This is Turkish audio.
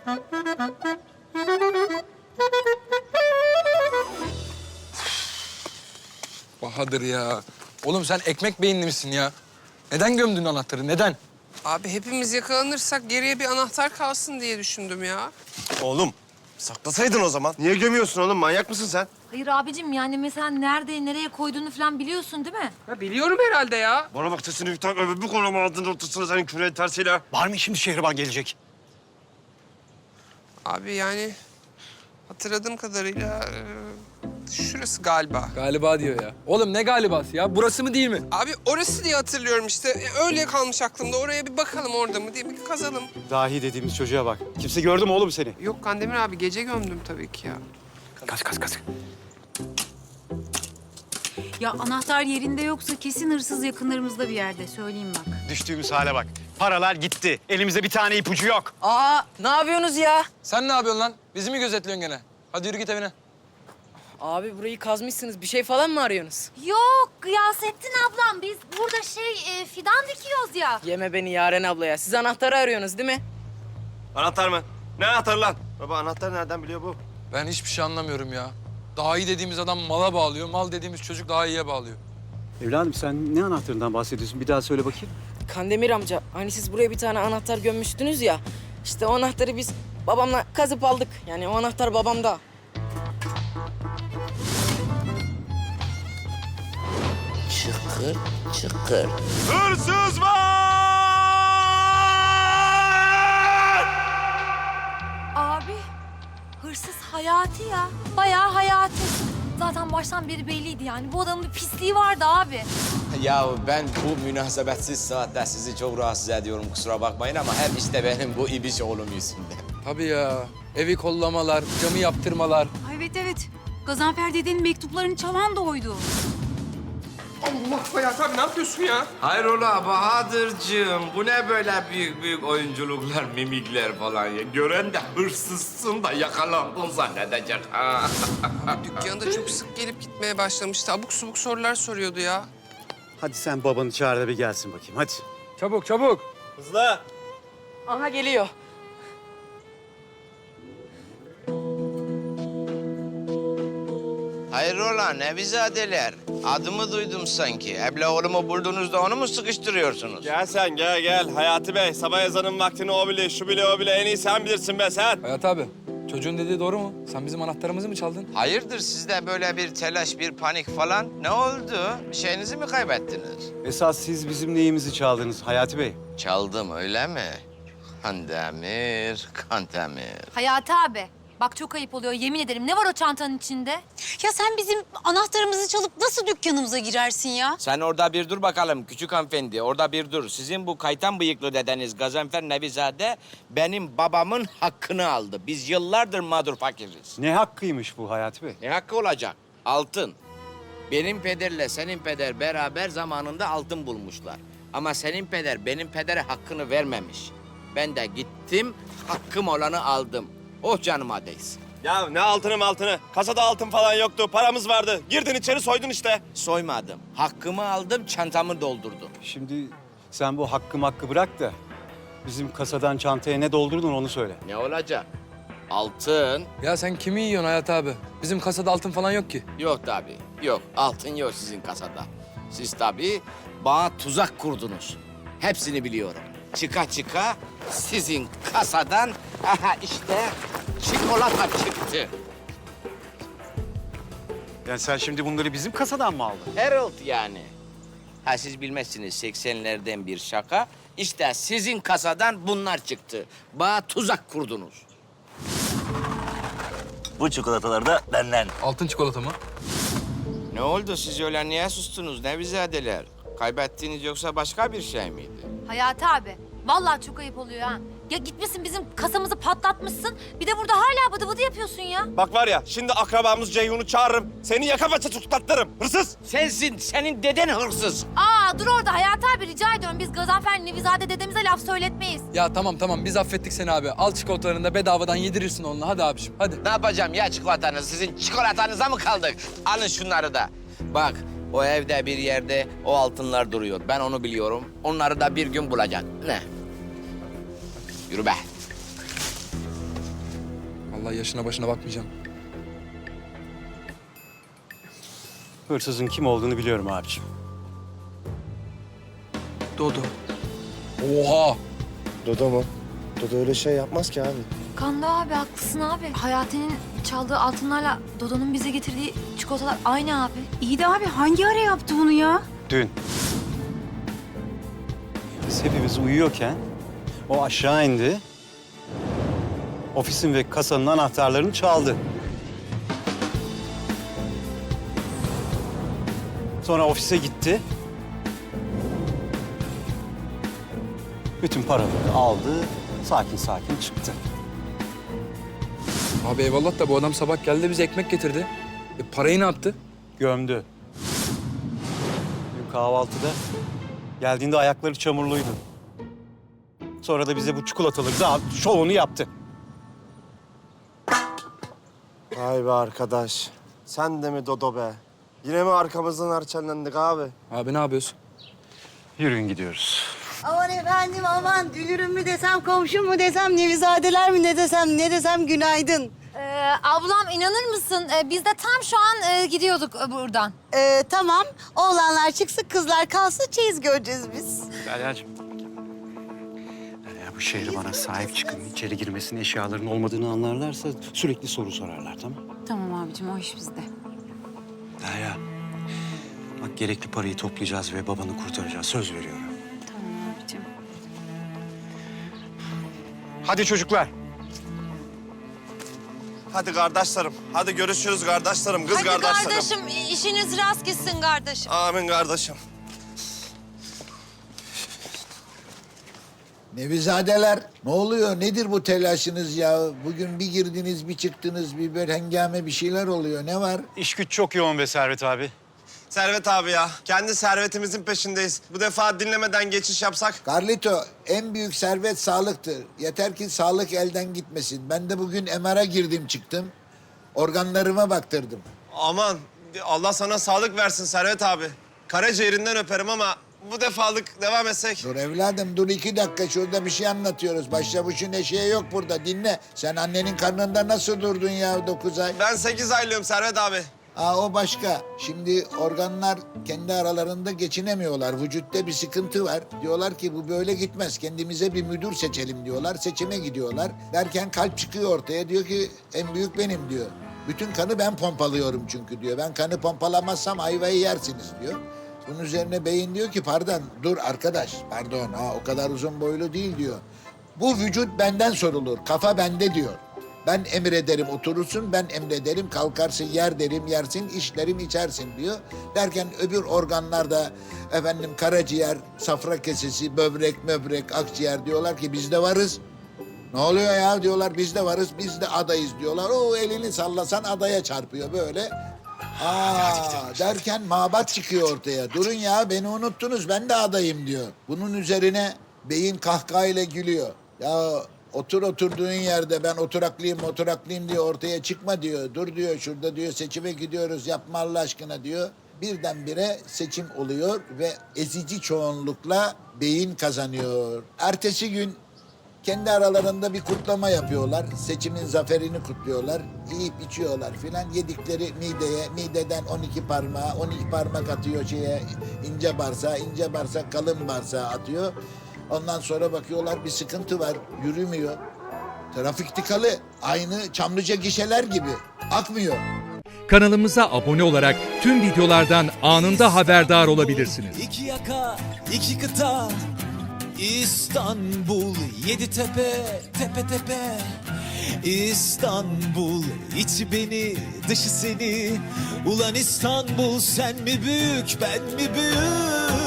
Bahadır ya. Oğlum sen ekmek beyinli misin ya? Neden gömdün anahtarı, neden? Abi hepimiz yakalanırsak geriye bir anahtar kalsın diye düşündüm ya. Oğlum saklasaydın o zaman. Niye gömüyorsun oğlum? Manyak mısın sen? Hayır abicim yani mesela nereye koyduğunu falan biliyorsun değil mi? Ya biliyorum herhalde ya. Bana bak sesini bir tak öbür bir koluma aldın ortasına senin küreğin tersiyle. Var mı şimdi Şehriban gelecek? Abi yani hatırladığım kadarıyla şurası galiba. Galiba diyor ya. Oğlum ne galibası ya? Burası mı değil mi? Abi orası diye hatırlıyorum işte. Öyle kalmış aklımda. Oraya bir bakalım orada mı diye bir kazalım. Dahi dediğimiz çocuğa bak. Kimse gördü mü oğlum seni? Yok Kandemir abi gece gömdüm tabii ki ya. Kaç. Ya anahtar yerinde yoksa kesin hırsız yakınlarımızda bir yerde. Söyleyeyim bak. Düştüğümüz hale bak. Paralar gitti. Elimizde bir tane ipucu yok. Aa, ne yapıyorsunuz ya? Sen ne yapıyorsun lan? Bizi mi gözetliyorsun gene? Hadi yürü git evine. Abi burayı kazmışsınız. Bir şey falan mı arıyorsunuz? Yok Gıyasettin ablam biz burada fidan dikiyoruz ya. Yeme beni Yaren ablaya. Siz anahtarı arıyorsunuz değil mi? Anahtar mı? Ne anahtarı lan? Baba anahtar nereden biliyor bu? Ben hiçbir şey anlamıyorum ya. Daha iyi dediğimiz adam mala bağlıyor, mal dediğimiz çocuk daha iyiye bağlıyor. Evladım sen ne anahtarından bahsediyorsun? Bir daha söyle bakayım. Kandemir amca, hani siz buraya bir tane anahtar gömmüştünüz ya. İşte o anahtarı biz babamla kazıp aldık. Yani o anahtar babamda. Çıkır çıkır. Hırsız var! Abi hırsız Hayati ya. Bayağı Hayati. Zaten baştan beri belliydi yani. Bu adamın bir pisliği vardı abi. Ya ben bu münasebetsiz saatte sizi çok rahatsız ediyorum, kusura bakmayın ama hep işte benim bu ibiş oğlum yüzünden. Tabii ya. Evi kollamalar, camı yaptırmalar. Evet. Gazanfer dedenin mektuplarını çalan da oydu. Allah Hayat abi ne yapıyorsun ya? Hayrola Bahadır'cığım, bu ne böyle büyük oyunculuklar, mimikler falan ya? Gören de hırsızsın da yakalandın zannedecek ha. Dükkanda çok sık gelip gitmeye başlamıştı. Abuk subuk sorular soruyordu ya. Hadi sen babanı çağır da bir gelsin bakayım. Hadi. Çabuk, çabuk. Hızlı. Aha geliyor. Hayrola Nevizadeler, adımı duydum sanki. Ebla oğlumu buldunuz da onu mu sıkıştırıyorsunuz? Gel sen gel. Hayati Bey sabah ezanın vaktini o bile şu bile o bile en iyi sen bilirsin be sen. Hayat abi, çocuğun dediği doğru mu? Sen bizim anahtarımızı mı çaldın? Hayırdır sizde böyle bir telaş, bir panik falan? Ne oldu? Bir şeyinizi mi kaybettiniz? Esas siz bizim neyimizi çaldınız Hayati Bey? Çaldım öyle mi? Kandemir, Kandemir. Hayati abi. Bak çok ayıp oluyor yemin ederim. Ne var o çantanın içinde? Ya sen bizim anahtarımızı çalıp nasıl dükkanımıza girersin ya? Sen orada bir dur bakalım küçük hanımefendi, orada bir dur. Sizin bu kaytan bıyıklı dedeniz Gazanfer Nevizade benim babamın hakkını aldı. Biz yıllardır mağdur fakiriz. Ne hakkıymış bu Hayati Bey? Ne hakkı olacak? Altın. Benim pederle senin peder beraber zamanında altın bulmuşlar. Ama senin peder benim pedere hakkını vermemiş. Ben de gittim, hakkım olanı aldım. Oh canıma değsin. Ya ne altını? Kasada altın falan yoktu. Paramız vardı. Girdin içeri soydun işte. Soymadım. Hakkımı aldım, çantamı doldurdum. Şimdi sen bu hakkı bırak da bizim kasadan çantaya ne doldurdun onu söyle. Ne olacak? Altın. Ya sen kimi yiyorsun Hayat abi? Bizim kasada altın falan yok ki. Yok tabii. Yok. Altın yok sizin kasada. Siz tabii bana tuzak kurdunuz. Hepsini biliyorum. Çıka sizin kasadan aha işte çikolata çıktı. Yani sen şimdi bunları bizim kasadan mı aldın? Herald yani. Ha siz bilmezsiniz 80'lerden bir şaka. İşte sizin kasadan bunlar çıktı. Bana tuzak kurdunuz. Bu çikolatalar da benden. Altın çikolata mı? Ne oldu siz öyle niye sustunuz Nevizadeler? Kaybettiğiniz yoksa başka bir şey miydi? Hayati abi. Vallahi çok ayıp oluyor ha. Ya gitmişsin bizim kasamızı patlatmışsın. Bir de burada hala bıdı bıdı yapıyorsun ya. Bak var ya şimdi akrabamız Ceyhun'u çağırırım. Seni yaka paça tutuklatırım. Hırsız. Sensin, senin deden hırsız. Aa dur orada Hayati abi rica ediyorum. Biz Gazanfer Nevizade dedemize laf söyletmeyiz. Ya tamam biz affettik seni abi. Al çikolatalarını da bedavadan yedirirsin onunla. Hadi abiciğim hadi. Ne yapacağım ya çikolatanız? Sizin çikolatanıza mı kaldık? Alın şunları da. Bak o evde bir yerde o altınlar duruyor. Ben onu biliyorum. Onları da bir gün bulacak. Ne? Yürü be. Vallahi yaşına başına bakmayacağım. Hırsızın kim olduğunu biliyorum abicim. Dodo. Oha! Dodo mu? Dodo öyle şey yapmaz ki abi. Kanda abi haklısın abi. Hayati'nin çaldığı altınlarla Dodo'nun bize getirdiği çikolatalar aynı abi. İyi de abi hangi ara yaptı bunu ya? Dün. Biz hepimiz uyuyorken o aşağı indi. Ofisin ve kasanın anahtarlarını çaldı. Sonra ofise gitti. Bütün paraları aldı, sakin sakin çıktı. Abi eyvallah da bu adam sabah geldi bize ekmek getirdi. Parayı ne yaptı? Gömdü. Dün kahvaltıda geldiğinde ayakları çamurluydu. Sonra da bize bu çikolataları da şovunu yaptı. Vay be arkadaş. Sen de mi Dodo be? Yine mi arkamızdan harçlandık abi? Abi ne yapıyorsun? Yürüyün gidiyoruz. Aman efendim aman dülürüm mü desem komşum mu desem nevizadeler mi ne desem günaydın. Ablam inanır mısın? Biz de tam şu an gidiyorduk buradan. Tamam oğlanlar çıksın kızlar kalsın çeyiz göreceğiz biz. Derya'cığım. Derya bu şehre bana sahip çıkın. İçeri girmesinin eşyaların olmadığını anlarlarsa sürekli soru sorarlar tamam mı? Tamam abicim o iş bizde. Derya. Bak gerekli parayı toplayacağız ve babanı kurtaracağız. Söz veriyorum. Tamam abicim. Hadi çocuklar. Hadi kardeşlerim. Hadi görüşürüz kardeşlerim, kız Hadi kardeşlerim. kardeşim işiniz rast gitsin kardeşim. Amin kardeşim. Nevizadeler, ne oluyor? Nedir bu telaşınız ya? Bugün bir girdiniz, bir çıktınız, bir böyle hengame bir şeyler oluyor. Ne var? İş güç çok yoğun be Servet abi. Servet abi ya. Kendi servetimizin peşindeyiz. Bu defa dinlemeden geçiş yapsak. Carlito, en büyük servet sağlıktır. Yeter ki sağlık elden gitmesin. Ben de bugün MR'a girdim çıktım. Organlarıma baktırdım. Aman Allah sana sağlık versin Servet abi. Karaciğerinden öperim ama bu defalık devam etsek. Dur evladım, dur 2 dakika. Şurada bir şey anlatıyoruz. Başlamışın eşeği yok burada. Dinle. Sen annenin karnında nasıl durdun ya 9 ay? Ben 8 aylığım Servet abi. O başka. Şimdi organlar kendi aralarında geçinemiyorlar. Vücutta bir sıkıntı var. Diyorlar ki bu böyle gitmez. Kendimize bir müdür seçelim diyorlar. Seçime gidiyorlar. Derken kalp çıkıyor ortaya. Diyor ki en büyük benim diyor. Bütün kanı ben pompalıyorum çünkü diyor. Ben kanı pompalamazsam ayvayı yersiniz diyor. Bunun üzerine beyin diyor ki pardon dur arkadaş. Pardon o kadar uzun boylu değil diyor. Bu vücut benden sorulur. Kafa bende diyor. Ben emrederim oturursun, ben emrederim kalkarsın, yer derim yersin, içlerim içersin diyor. Derken öbür organlar da efendim karaciğer, safra kesesi, böbrek, möbrek, akciğer diyorlar ki biz de varız. Ne oluyor ya diyorlar biz de varız, biz de adayız diyorlar. O elini sallasan adaya çarpıyor böyle. Derken mabat çıkıyor ortaya. Durun ya beni unuttunuz ben de adayım diyor. Bunun üzerine beyin kahkahayla gülüyor. Ya oturduğun yerde ben oturaklıyım diye ortaya çıkma diyor. Dur diyor şurada diyor seçime gidiyoruz yapma Allah aşkına diyor. Birdenbire seçim oluyor ve ezici çoğunlukla beyin kazanıyor. Ertesi gün kendi aralarında bir kutlama yapıyorlar. Seçimin zaferini kutluyorlar. Yiyip içiyorlar filan. Yedikleri mideye, mideden 12 parmağı, 12 parmak atıyor ince bağırsağa kalın bağırsağa atıyor. Ondan sonra bakıyorlar bir sıkıntı var, yürümüyor. Trafik tıkalı, aynı Çamlıca gişeler gibi. Akmıyor. Kanalımıza abone olarak tüm videolardan anında haberdar olabilirsiniz. İki yaka, iki kıta, İstanbul, 7 tepe, tepe tepe. İstanbul, içi beni, dışı seni. Ulan İstanbul, sen mi büyük, ben mi büyük?